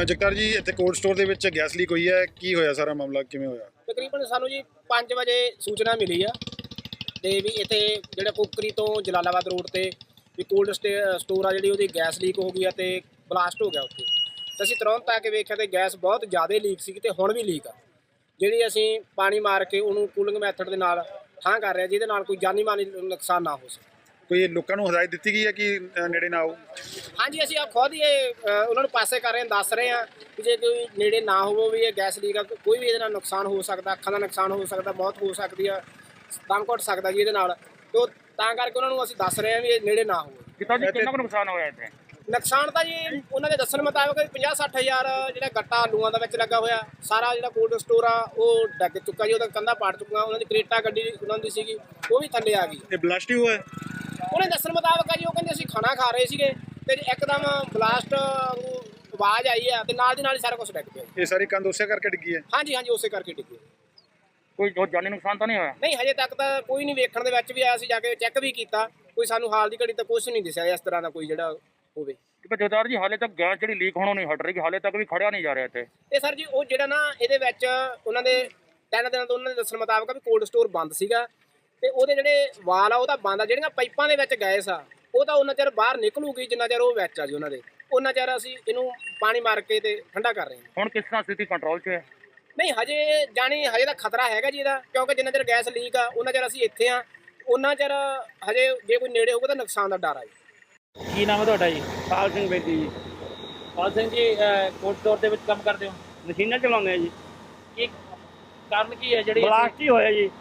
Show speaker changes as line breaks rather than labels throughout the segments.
ਜਗਤਾਰ ਜੀ ਇੱਥੇ cold store ਦੇ ਵਿੱਚ ਗੈਸ ਲੀਕ ਹੋਈ ਹੈ, ਕੀ ਹੋਇਆ ਸਾਰਾ ਮਾਮਲਾ, ਕਿਵੇਂ ਹੋਇਆ?
ਤਕਰੀਬਨ ਸਾਨੂੰ ਜੀ 5 ਵਜੇ ਸੂਚਨਾ ਮਿਲੀ ਆ ਤੇ ਵੀ ਇੱਥੇ ਜਿਹੜਾ ਕੁੱਕਰੀ ਤੋਂ ਜਲਾਲਾਬਾਦ ਰੋਡ ਤੇ ਵੀ ਕੋਲਡ ਸਟੋਰ ਆ ਜਿਹੜੀ ਉਹਦੀ ਗੈਸ ਲੀਕ ਹੋ ਗਈ ਆ ਤੇ ਬਲਾਸਟ ਹੋ ਗਿਆ ਉੱਥੇ। ਤੇ ਅਸੀਂ ਤੁਰੰਤ ਆ ਕੇ ਵੇਖਿਆ ਤੇ ਗੈਸ ਬਹੁਤ ਜ਼ਿਆਦਾ ਲੀਕ ਸੀ ਤੇ ਹੁਣ ਵੀ ਲੀਕ ਆ, ਜਿਹੜੀ ਅਸੀਂ ਪਾਣੀ ਮਾਰ ਕੇ ਉਹਨੂੰ ਕੂਲਿੰਗ ਮੈਥਡ ਦੇ ਨਾਲ ਠਾਂ ਕਰ ਰਹੇ, ਜਿਹਦੇ ਨਾਲ ਕੋਈ ਜਾਨੀ ਮਾਨੀ ਨੁਕਸਾਨ ਨਾ ਹੋ ਸਕੇ।
ਕੋਈ ਲੋਕਾਂ ਨੂੰ ਹਦਾਇਤ ਦਿੱਤੀ ਗਈ ਹੈ ਕਿ ਨੇੜੇ ਨਾ ਆਓ?
ਹਾਂਜੀ, ਅਸੀਂ ਆ ਖੁਦ ਹੀ ਉਹਨਾਂ ਨੂੰ ਪਾਸੇ ਕਰ ਰਹੇ ਹਾਂ, ਦੱਸ ਰਹੇ ਹਾਂ ਕਿ ਜੇ ਕੋਈ ਨੇੜੇ ਨਾ ਹੋਵੋ ਵੀ ਇਹ ਗੈਸ ਲੀਕ ਆ, ਕੋਈ ਵੀ ਇਹਦੇ ਨਾਲ ਨੁਕਸਾਨ ਹੋ ਸਕਦਾ, ਅੱਖਾਂ ਦਾ ਨੁਕਸਾਨ ਹੋ ਸਕਦਾ, ਮੌਤ ਹੋ ਸਕਦੀ ਆ, ਦਮ ਘੁੱਟ ਸਕਦਾ ਜੀ ਇਹਦੇ ਨਾਲ। ਤੋ ਤਾਂ ਕਰਕੇ ਉਹਨਾਂ ਨੂੰ ਅਸੀਂ ਦੱਸ ਰਹੇ ਹਾਂ ਵੀ ਇਹ ਨੇੜੇ ਨਾ ਹੋਵੋ।
ਕਿਤਾ ਜੀ ਕਿੰਨਾ ਕੁ ਨੁਕਸਾਨ ਹੋਇਆ ਇੱਥੇ?
ਨੁਕਸਾਨ ਤਾਂ ਜੀ ਉਹਨਾਂ ਦੇ ਦੱਸਣ ਮੁਤਾਬਕ 50-60 ਹਜ਼ਾਰ ਜਿਹੜਾ ਗੱਟਾ ਆਲੂਆਂ ਦਾ ਵਿੱਚ ਲੱਗਾ ਹੋਇਆ, ਸਾਰਾ ਜਿਹੜਾ ਕੋਲਡ ਸਟੋਰ ਆ ਉਹ ਡੱਗ ਚੁੱਕਾ ਜੀ, ਉਹਦਾ ਕੰਧਾ ਪਾੜ ਚੁੱਕਾ। ਉਹਨਾਂ ਦੀ ਕਰੇਟਾ ਗੱਡੀ ਉਹਨਾਂ ਦੀ ਸੀਗੀ ਉਹ ਵੀ ਥੱਲੇ ਆ ਗਈ।
ਇਹ ਬਲਾਸਟ ਹੀ ਹੋਇਆ?
ਉਹਨੇ ਦੱਸਣ ਮੁਤਾਬਕ ਆ ਜੀ, ਉਹ ਕਹਿੰਦੇ ਅਸੀਂ ਖਾਣਾ ਖਾ ਰਹੇ ਸੀਗੇ ਤੇ ਇੱਕਦਮ ਬਲਾਸਟ ਆਵਾਜ਼ ਆਈ ਆ ਤੇ ਨਾਲ ਦੀ ਨਾਲ ਹੀ ਸਾਰਾ ਕੁਝ ਡਿੱਗ ਪਿਆ।
ਇਹ ਸਾਰੀ ਕੰਧ ਉਸੇ ਕਰਕੇ ਡਿੱਗੀ ਹੈ?
ਹਾਂਜੀ ਹਾਂਜੀ, ਉਸੇ ਕਰਕੇ ਡਿੱਗੀ।
ਕੋਈ ਜਾਨੀ ਨੁਕਸਾਨ ਤਾਂ ਨਹੀਂ ਹੋਇਆ?
ਨਹੀਂ, ਹਜੇ ਤੱਕ ਤਾਂ ਕੋਈ ਨਹੀਂ। ਵੇਖਣ ਦੇ ਵਿੱਚ ਵੀ ਆਇਆ ਸੀ, ਜਾ ਕੇ ਚੈੱਕ ਵੀ ਕੀਤਾ, ਕੋਈ ਸਾਨੂੰ ਹਾਲ ਦੀ ਘੜੀ ਤਾਂ ਕੁਝ ਨਹੀਂ ਦਿਸਿਆ ਇਸ ਤਰ੍ਹਾਂ ਦਾ ਕੋਈ ਜਿਹੜਾ ਹੋਵੇ।
ਕਿ ਜਗਤਾਰ ਜੀ ਹਾਲੇ ਤੱਕ ਗੈਸ ਜਿਹੜੀ ਲੀਕ ਹੋਣੋਂ ਨਹੀਂ ਹਟ ਰਹੀ, ਹਾਲੇ ਤੱਕ ਵੀ ਖੜਿਆ ਨਹੀਂ ਜਾ ਰਿਹਾ ਇੱਥੇ।
ਤੇ ਸਰ ਜੀ ਉਹ ਜਿਹੜਾ ਨਾ ਇਹਦੇ ਵਿੱਚ ਉਹਨਾਂ ਦੇ 3 ਦਿਨਾਂ ਤੋਂ ਉਹਨਾਂ ਦੇ ਦੱਸਣ ਮੁਤਾਬਕ ਵੀ ਕੋਲਡ ਸਟੋਰ ਬੰਦ ਸੀਗਾ ਤੇ ਉਹਦੇ ਜਿਹੜੇ ਵਾਲ ਆ ਉਹ ਤਾਂ ਬੰਦ ਆ, ਜਿਹੜੀਆਂ ਪਾਈਪਾਂ ਦੇ ਵਿੱਚ ਗੈਸ ਆ ਉਹ ਤਾਂ ਉਹਨਾਂ ਚਿਰ ਬਾਹਰ ਨਿਕਲੂਗੀ ਜਿੰਨਾ ਚਿਰ ਉਹ ਵਿੱਚ ਆ ਜੀ ਉਹਨਾਂ ਦੇ, ਉਹਨਾਂ ਚਿਰ ਅਸੀਂ ਇਹਨੂੰ ਪਾਣੀ ਮਾਰ ਕੇ ਤੇ ਠੰਡਾ ਕਰ ਰਹੇ ਹਾਂ।
ਹੁਣ ਕਿਸ ਤਰ੍ਹਾਂ ਸਥਿਤੀ ਕੰਟਰੋਲ 'ਚ ਹੈ?
ਨਹੀਂ, ਹਜੇ ਤਾਂ ਖਤਰਾ ਹੈਗਾ ਜੀ ਇਹਦਾ, ਕਿਉਂਕਿ ਜਿੰਨਾ ਚਿਰ ਗੈਸ ਲੀਕ ਆ ਉਹਨਾਂ ਚਿਰ ਅਸੀਂ ਇੱਥੇ ਆ, ਉਹਨਾਂ ਚਿਰ ਹਜੇ ਜੇ ਕੋਈ ਨੇੜੇ ਹੋਊਗਾ ਤਾਂ ਨੁਕਸਾਨ ਦਾ ਡਰ ਆ ਜੀ।
ਕੀ ਨਾਮ ਹੈ ਤੁਹਾਡਾ ਜੀ?
ਪਾਲ ਸਿੰਘ ਬੇਦੀ ਜੀ।
ਪਾਲ ਸਿੰਘ ਜੀ, ਕੋਲਡ ਸਟੋਰ ਦੇ ਵਿੱਚ ਕੰਮ ਕਰਦੇ ਹੋ?
ਮਸ਼ੀਨਾਂ ਚਲਾਉਂਦੇ ਆ ਜੀ।
ਕੀ ਕਾਰਨ ਕੀ ਹੈ ਜਿਹੜੀ
ਬਲਾਸਟ ਹੀ ਹੋਇਆ ਜੀ,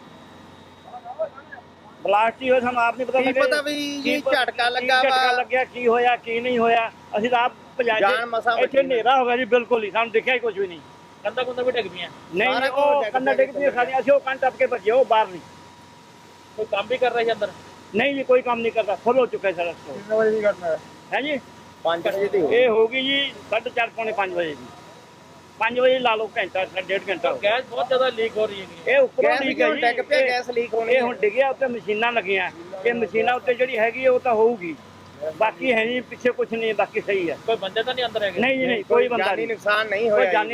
ਬਲਾਸਟ ਹੀ ਹੋਇਆ। ਸਾਨੂੰ ਆਪ ਨਹੀਂ ਪਤਾ
ਕੀ ਪਤਾ ਵੀ ਜੀ ਝਟਕਾ ਲੱਗਾ ਵਾ,
ਝਟਕਾ ਲੱਗਿਆ, ਕੀ ਹੋਇਆ ਕੀ ਨਹੀਂ ਹੋਇਆ। ਅਸੀਂ ਤਾਂ ਆਪ
ਜਾਨ ਮਸਾਂ
ਇੱਥੇ ਹਨੇਰਾ ਹੋ ਗਿਆ ਜੀ, ਬਿਲਕੁਲ ਹੀ ਸਾਨੂੰ ਦਿਖਿਆ ਹੀ ਕੁਝ ਵੀ ਨਹੀਂ।
ਕੰਧਾਂ ਕੁੰਧਾਂ ਵੀ ਡਿੱਗ ਪਈਆਂ?
ਨਹੀਂ, ਉਹ ਕੰਨਾਂ ਡਿੱਗ ਪਈਆਂ ਸਾਡੀਆਂ, ਅਸੀਂ ਉਹ ਕੰਨ ਟੱਪ ਕੇ ਭੱਜੇ, ਉਹ ਬਾਹਰ ਨਹੀਂ।
ਕੋਈ ਕੰਮ ਵੀ ਕਰ ਰਿਹਾ ਸੀ ਅੰਦਰ?
ਨਹੀਂ ਜੀ, ਕੋਈ ਕੰਮ ਨਹੀਂ ਕਰਦਾ, ਫੁੱਲ ਹੋ ਚੁੱਕਾ ਸਾਰਾ ਸਟੋਰ।
ਕਿੰਨੇ ਵਜੇ ਦੀ ਘਟਨਾ ਹੈ?
ਹੈ ਜੀ
5 ਵਜੇ ਦੀ
ਇਹ ਹੋ ਗਈ ਜੀ 4:30 ਪੌਣੇ 5 ਵਜੇ ਦੀ। 5 ਵਜੇ ਲਾ ਲਓ, ਘੰਟਾ 1.5 ਘੰਟਾ।
ਗੈਸ ਬਹੁਤ ਜ਼ਿਆਦਾ ਲੀਕ ਹੋ ਰਹੀ ਹੈ।
ਇਹ ਉੱਪਰੋਂ ਲੀਕ ਹੈ ਜੀ,
ਡਿੱਗ ਪਿਆ, ਗੈਸ ਲੀਕ ਹੋਣੀ।
ਇਹ ਹੁਣ ਡਿੱਗਿਆ, ਉੱਤੇ ਮਸ਼ੀਨਾਂ ਲੱਗੀਆਂ, ਇਹ ਮਸ਼ੀਨਾਂ ਉੱਤੇ ਜਿਹੜੀ ਹੈਗੀ ਉਹ ਤਾਂ ਹੋਊਗੀ, ਬਾਕੀ ਹੈ ਨਹੀਂ, ਪਿੱਛੇ ਕੁਝ ਨਹੀਂ, ਬਾਕੀ ਸਹੀ ਹੈ।
ਕੋਈ ਬੰਦੇ ਤਾਂ ਨਹੀਂ ਅੰਦਰ ਹੈਗੇ?
ਨਹੀਂ ਜੀ, ਨਹੀਂ, ਕੋਈ ਬੰਦਾ ਨਹੀਂ,
ਨੁਕਸਾਨ ਨਹੀਂ
ਕੋਈ ਜਾਨੀ